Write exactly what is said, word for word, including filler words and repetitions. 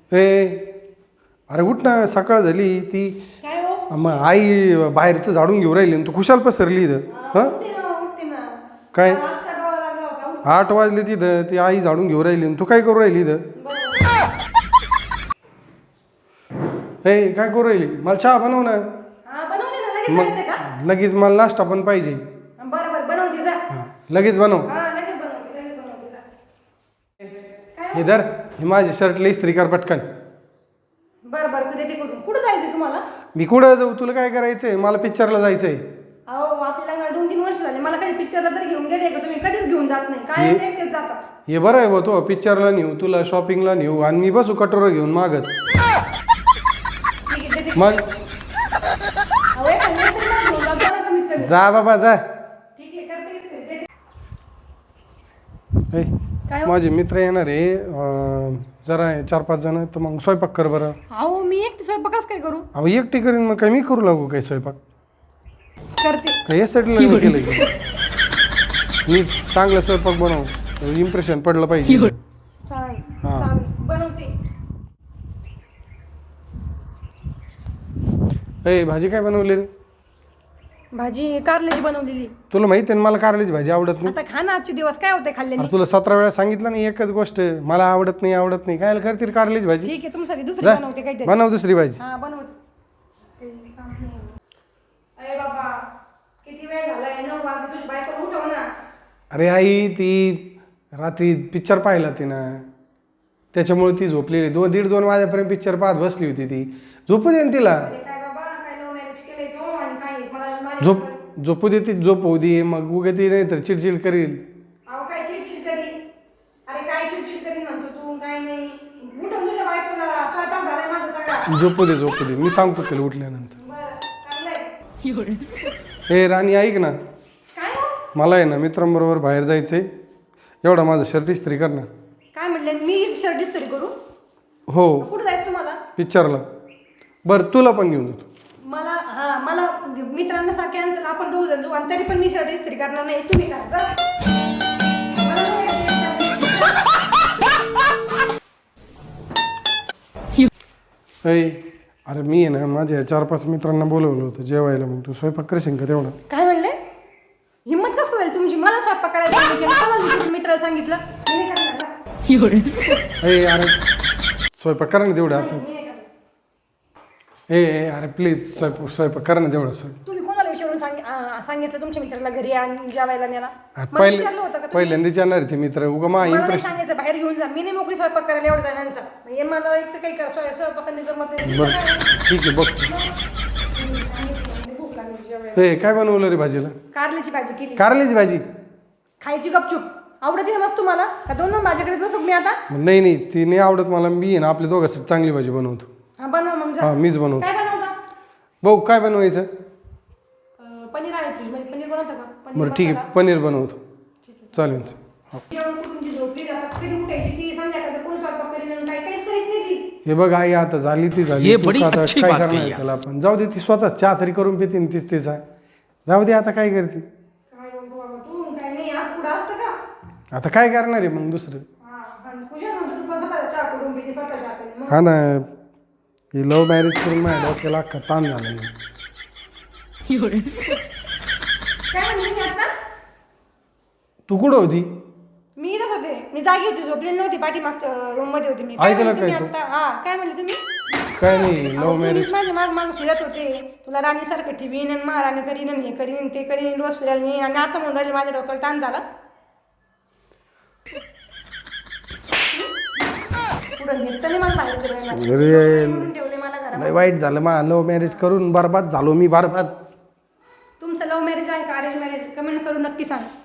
ए अरे उठ ना, सकाळ झाली. ती काय हो? मग आई बाहेरचं झाडून घेऊन राहिली तू खुशाल पसरली इथं. हां उठते ना उठते ना. काय आत्ता डोळा लागला होता. उठ. आठ वाजले तिथं, ती आई झाडून घेऊन राहिली तू काय करू राहिली इथं. ए काय करू राहिली, मला चहा बनव ना. हा बनवते ना, लगेच मग जायचं का? लगेच मला नाश्ता पण पाहिजे. बरं बरं बनवते जा. हां लगेच बनव. हा लगेच बनवते लगेच बनवते जा. काय हे धर, हे माझी शर्टला इस्त्री कर पटकन. बरं बरं कधी ते करून. कुठं जायचं तुम्हाला? मी कुठं जाऊ, तुला काय करायचंय? मला पिक्चरला जायचंय. अहो आपल्या लग्नाला दोन तीन वर्ष झाले, मला कधी पिक्चरला तरी घेऊन गेले का तुम्ही? कधीच घेऊन जात नाही, काय हे- एकटेच जाता. हे बरं आहे बा, तो पिक्चरला नेऊ, तुला शॉपिंगला नेऊ आणि मी बसू कटोरं घेऊन मागत. ठीक आहे देते. मग अहो एक हजार तरी मला घेऊन जाता ना कमीत कमी. जा बाबा जा. ठीक आहे करतेच ते, देते. ए, काय हो? माझे मित्र येणार आहे अं, जरा आहे, चार पाच जण, तर मग स्वयंपाक कर बरं. अहो मी एकटी स्वयंपाकच काय करू? अहो एकटी करीन, मग काय मी करू लागू काय स्वयंपाक? करते. काय यासाठी लग्न केलं की? मी चांगला स्वयंपाक बनव, इम्प्रेशन पडलं पाहिजे. चालेल हा. चालेल बनवते. ए भाजी काय बनवली रे? भाजी कारल्याची बनवलेली. तुला माहिती आहे ना मला कारल्याची भाजी आवडत नाही. आता खा ना, आजचे दिवस काय होते खाल्ल्याने. अरे तुला सतरा वेळा सांगितलं नाही एकच गोष्ट, मला आवडत नाही आवडत नाही, काय करतील कारल्याची भाजी. ठीक आहे तुमच्यासाठी दुसरी जा, बनवते काहीतरी. बनव दुसरी भाजी. हा बनवते. अरे बाबा किती वेळ झालाय, नऊ वाजले, तुझी बायको उठव ना. अरे आई ती रात्री पिक्चर पाहिला तिनं, त्याच्यामुळे ती झोपलेली. दोन दीड दोन वाजेपर्यंत पिक्चर पाहत बसली होती ती. झोपू दे ना तिला. अरे काय बाबा, काय लव्ह मॅरेज केलंय तो आणि काय मला माझ्या- झोप झोपू दे ती, झोप होऊ दे, मग उगा ती नाही तर चिडचिड करील. अहो काय चिडचिड करी. अरे काय चिडचिड करीन म्हणतो तू, काय नाही. उठव तुझ्या बायकोला, स्वयंपाक झालाय माझा सगळा. झोपू दे झोपू दे, मी सांगतो तिला उठल्यानंतर. बरं चांगलंय. हे राणी ऐक ना, काय हो? मला आहे ना मित्रांबरोबर बाहेर जायचंय, एवढा माझं शर्ट इस्त्री कर ना. काय म्हणले, मी शर्ट इस्त्री करू? हो कुठं जायचं तुम्हाला? पिक्चरला. बरं तुला पण घेऊन जातो. मला हा मला मित्रांना सांग कॅन्सल, आपण दोघ जण जाऊ आणि तरी पण मी शर्ट इस्त्री करणार नाही, तुम्ही करा जा. मला नाही यायचं. ऐ अरे मी आहे ना माझ्या चार पाच मित्रांना बोलवलं होतं जेवायला, मग तू स्वयंपाक करशील का तेवढा? काय म्हणले? हिम्मत कसं होईल तुमची? मला स्वयंपाक करायला सांगितलं, कोणाला दुसऱ्या मित्राला सांगितलं? मी नाही करणार जा. ए अरे स्वयंपाक करा ना तेवढं आता. मी नाही करणार. ए ए, अरे प्लीज स्वयंपाक स्वयंपाक करा ना तेवढं स्वयंपाक. तुम्ही कोणाला विचारून सांग आ, सांगितलं तुमच्या मित्राला घरी आणि जेवायला न्याला? मला पहिले विचारलं होतं का तुम्ही? पहिल्यांदाच येणार ते मित्र, उगा मा मला नाही इम्प्रेशन. सांगायचं बाहेर घेऊन जा, मी नाही मोकळी स्वयंपाक करायला एवढं जणांचा. हे मला एक तर काही कर स्वयं- स्वयंपाकाने जमत नाही. बरं ठीक आहे बघतो. भूक लागली जेवायला. ए काय बनवलं रे भाजीला? कारल्याची भाजी केली. कारल्याची भाजी? खायची गपचूप. आवडते ना मस्त तुम्हाला? का दोन दोन भाज्याकडे बसू मी आता? नाही नाही ती नाही आवडत मला, मी आहे ना आपल्या दोघांसाठी चांगली भाजी बनवतो. हा बनवा मग जा. हा मीच बनवतो. काय बनवता? भाऊ काय बनवायचं? अं, पनीर आहे फ्रीज मध्ये, पनीर बनवता का? पनीर बरं ठीक मसाला. आहे पनीर बनवतो. चालेल. हो. जेवण करून जी झोपली आता कधी उठायची ती, संध्याकाळचं कोण स्वयंपाक करीन आणि काय काहीच करीत नाही ती. हे बघ आई आता झाली ती झाली, ये तू बडी आता अच्छी काय बात करणार कही त्याला आपण? जाऊ दे, ती स्वतः चहा तरी करून पिते ना तीच तिचा. जाऊ दे आता काय करते. काय म्हणतो बाबा तू, काय नाही आज पुढं असतं का? आता काय करणार आहे मग दुसरं? हा आणि पूजा म्हणतो तू स्वतः चहा करून पिते स्वतः जाते मग. हा ना, हे लव्ह मॅरेज करून माझ्या डोक्याला अख्खा ताण झाला नाही. काय म्हणली मी आता? तू कुठं होती? मी इथंच होते, मी जागी होती, झोपलेली नव्हती, पाठीमागच्या रूम मध्ये होती मी. ऐकलं म्हणले काय तुम्ही तू? आता? हा काय म्हणले तुम्ही? काय नाही अहो, लव्ह मॅरेज. तुम्हीच माझ्या माग माग फिरत होते, तुला राणीसारखं ठेवीन आणि महाराणी करीन आणि हे करीन ते करीन, रोज फिरायला नेईन आणि आता म्हणून राहिले माझ्या डोक्याला ताण झाला. पुढं नेतं नाही मला बाहेर फिरायला. अरे म्हणून ठेवले मला घरात. लय वाईट झालं मा, लव्ह मॅरेज करून बरबाद झालो मी, बरबाद. तुमचं लव्ह मॅरेज आहे का अरेंज मॅरेज? कमेंट करून नक्की सांग.